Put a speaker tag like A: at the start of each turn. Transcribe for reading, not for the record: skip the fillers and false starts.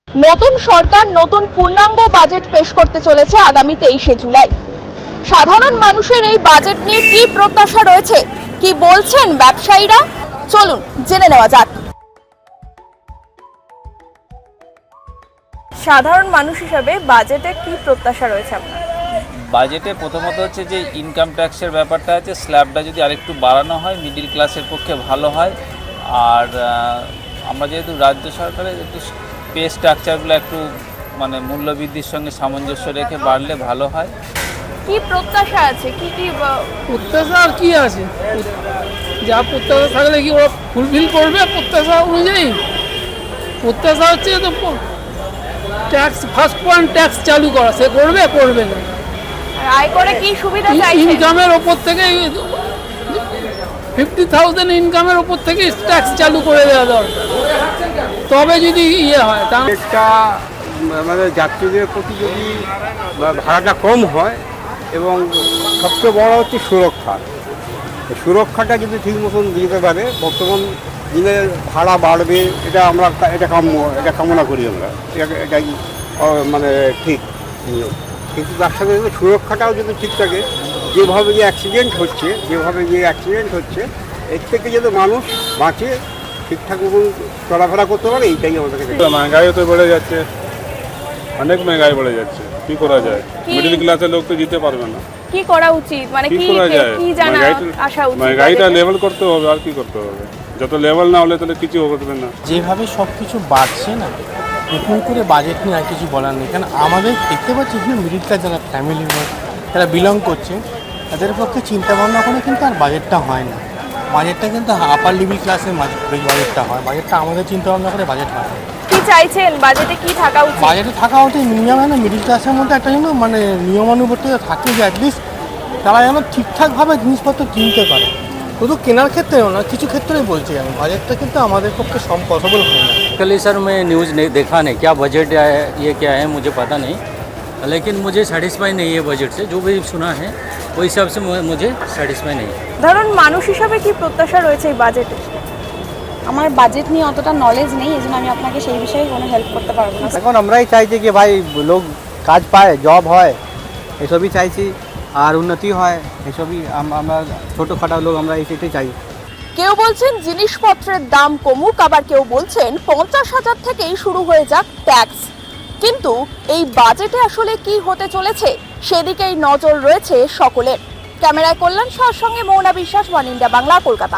A: নতুন সরকার নতুন পূর্ণাঙ্গ বাজেট পেশ করতে চলেছে আগামী 23শে জুলাই। সাধারণ মানুষের এই বাজেট নিয়ে কি প্রত্যাশা রয়েছে, কি বলছেন ব্যবসায়ীরা, চলুন জেনে নেওয়া যাক। সাধারণ মানুষ হিসেবে বাজেটে কি প্রত্যাশা রয়েছে আপনার?
B: বাজেটে প্রথমত হচ্ছে যে ইনকাম ট্যাক্সের ব্যাপারটা আছে, স্ল্যাবটা যদি আরেকটু বাড়ানো হয় মিডিল ক্লাসের পক্ষে ভালো হয়। আর আমরা যেহেতু রাজ্য সরকারের একটু পে স্ট্রাকচারগুলো একটু মানে মূল্যবৃদ্ধির সঙ্গে সামঞ্জস্য রেখে বাড়লে ভালো হয়।
A: কি প্রত্যাশা আছে, কি
C: প্রত্যাশা আর কি আছে? যা প্রত্যাশা থাকলে কি ওরা ফুলফিল করবে প্রত্যাশা অনুযায়ী? প্রত্যাশা হচ্ছে তো ট্যাক্স, ফার্স্ট পয়েন্ট ট্যাক্স চালু করা, সে করবে না।
A: আয় করে কি সুবিধা চাইছেন?
C: ইনকামের ওপর থেকে 50,000 ইনকামের ওপর থেকে ট্যাক্স চালু করে দেওয়া দরকার, তবে যদি হয় তাহলে
D: একটা আমাদের যাত্রীদের প্রতি যদি ভাড়াটা কম হয়, এবং সবচেয়ে বড় হচ্ছে সুরক্ষাটা যদি ঠিক মতন দিতে পারে, বর্তমান দিনে ভাড়া বাড়বে এটা কামনা করি আমরা, এটাই মানে ঠিক। কিন্তু তার সাথে সুরক্ষাটাও যদি ঠিক থাকে, যেভাবে যে অ্যাক্সিডেন্ট হচ্ছে এর থেকে যদি মানুষ বাঁচে, ঠিকঠাক মতন চলাফেরা করতে পারে, এইটাই আমাদের কাছে।
E: महंगाई तो बढ़े যাচ্ছে, অনেক महंगाई बढ़े যাচ্ছে, কি করা যায়? মিডল ক্লাসের লোক তো জিতে পারবে না।
A: কি করা উচিত, মানে কি জানা আশা উচিত?
E: महंगाईটা লেভেল করতে হবে, আর কি করতে হবে? যত লেভেল না হলে তাহলে কিছু হবে না।
F: যেভাবে সব কিছু বাড়ছে না, নতুন করে বাজেট নিয়ে আর কিছু বলার নেই। কারণ আমাদের দেখতে পাচ্ছি এখানে মিডিল ক্লাস যারা ফ্যামিলি যারা বিলং করছে, তাদের পক্ষে চিন্তা ভাবনা করে কিন্তু আর বাজেটটা হয় না। বাজেটটা কিন্তু আপার লেভেল ক্লাসের বাজেটটা হয়, বাজেটটা আমাদের চিন্তা ভাবনা করে বাজেট হয়।
A: কি চাইছেন বাজেটে, কি থাকা উচিত?
F: বাজেটে থাকা উচিত মিনিমাম না মিডিল ক্লাসের মধ্যে একটা যেন মানে নিয়মানুবর্তিতা থাকে, যে অ্যাটলিস্ট তারা যেন ঠিকঠাকভাবে জিনিসপত্র কিনতে পারে। শুধু কেনার ক্ষেত্রেও না, কিছু ক্ষেত্রেই বলছি আমি, বাজেটটা কিন্তু আমাদের পক্ষে সব পসিবল হয় না।
G: कल सर मैं न्यूज़ नहीं देखा नहीं, क्या बजट है ये क्या है मुझे पता नहीं, लेकिन मुझे सेटिस्फाई नहीं है बजट से। जो भी सुना है वो हिसाब से मुझे सेटिस्फाई नहीं है।
A: ধরুন মানুষ হিসাবে কি প্রত্যাশা রয়েছে এই বাজেটে?
H: আমার বাজেট নিয়ে অতটা নলেজ নেই, এজন্য আমি আপনাকে সেই বিষয়ে কোনো হেল্প করতে পারবো না।
I: এখন আমরাই চাইছি কি ভাই লোক কাজ পায়, জব হয়, এসবই চাইছি, আর উন্নতি হয়, এসবই আমরা ছোটোখাটো লোক আমরা এটাই চাই।
A: কেউ বলছেন জিনিসপত্রের দাম কমুক, আবার কেউ বলছেন 50,000 থেকেই শুরু হয়ে যাক ট্যাক্স। কিন্তু এই বাজেটে আসলে কি হতে চলেছে সেদিকেই নজর রয়েছে সকলের। ক্যামেরায় কল্যাণ সাহার সঙ্গে মৌনা বিশ্বাস, ওয়ান ইন্ডিয়া বাংলা, কলকাতা।